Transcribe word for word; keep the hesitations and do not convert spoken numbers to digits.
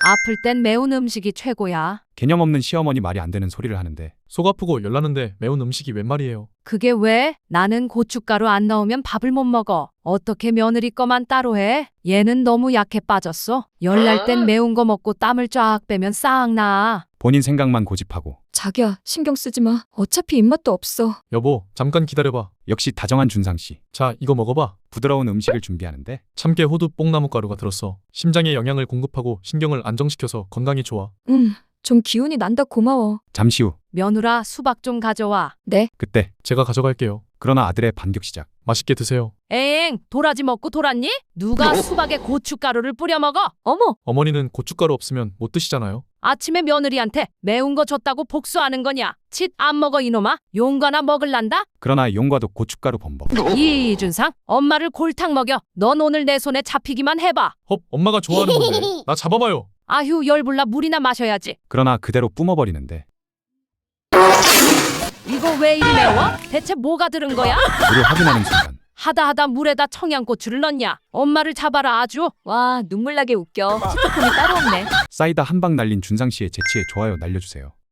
아플 땐 매운 음식이 최고야. 개념 없는 시어머니 말이 안 되는 소리를 하는데 속 아프고 열나는데 매운 음식이 웬 말이에요. 그게 왜? 나는 고춧가루 안 넣으면 밥을 못 먹어. 어떻게 며느리 거만 따로 해? 얘는 너무 약해 빠졌어. 열날 땐 매운 거 먹고 땀을 쫙 빼면 싹 나. 본인 생각만 고집하고 자기야, 신경 쓰지 마. 어차피 입맛도 없어. 여보, 잠깐 기다려봐. 역시 다정한 준상씨. 자, 이거 먹어봐. 부드러운 음식을 준비하는데 참깨, 호두, 뽕나무 가루가 들었어. 심장에 영양을 공급하고 신경을 안정시켜서 건강에 좋아. 음, 좀 기운이 난다. 고마워. 잠시 후 며느라 수박 좀 가져와. 네, 그때 제가 가져갈게요. 그러나 아들의 반격 시작. 맛있게 드세요. 에잉, 도라지 먹고 돌았니? 누가 수박에 고춧가루를 뿌려 먹어? 어머, 어머니는 고춧가루 없으면 못 드시잖아요. 아침에 며느리한테 매운 거 줬다고 복수하는 거냐? 칫 안 먹어 이놈아. 용과나 먹을란다? 그러나 용과도 고춧가루 범벅. 이준상, 엄마를 골탕 먹여. 넌 오늘 내 손에 잡히기만 해봐. 헙, 엄마가 좋아하는 건데. 나 잡아봐요. 아휴, 열불나 물이나 마셔야지. 그러나 그대로 뿜어버리는데 이거 왜 이리 매워? 대체 뭐가 들은 거야? 물을 확인하는 순간 하다 하다 물에다 청양고추를 넣냐? 엄마를 잡아라 아주. 와, 눈물 나게 웃겨. 시트콤이 따로 없네. 싸이다 한 방 날린 준상씨의 재치에 좋아요 날려주세요.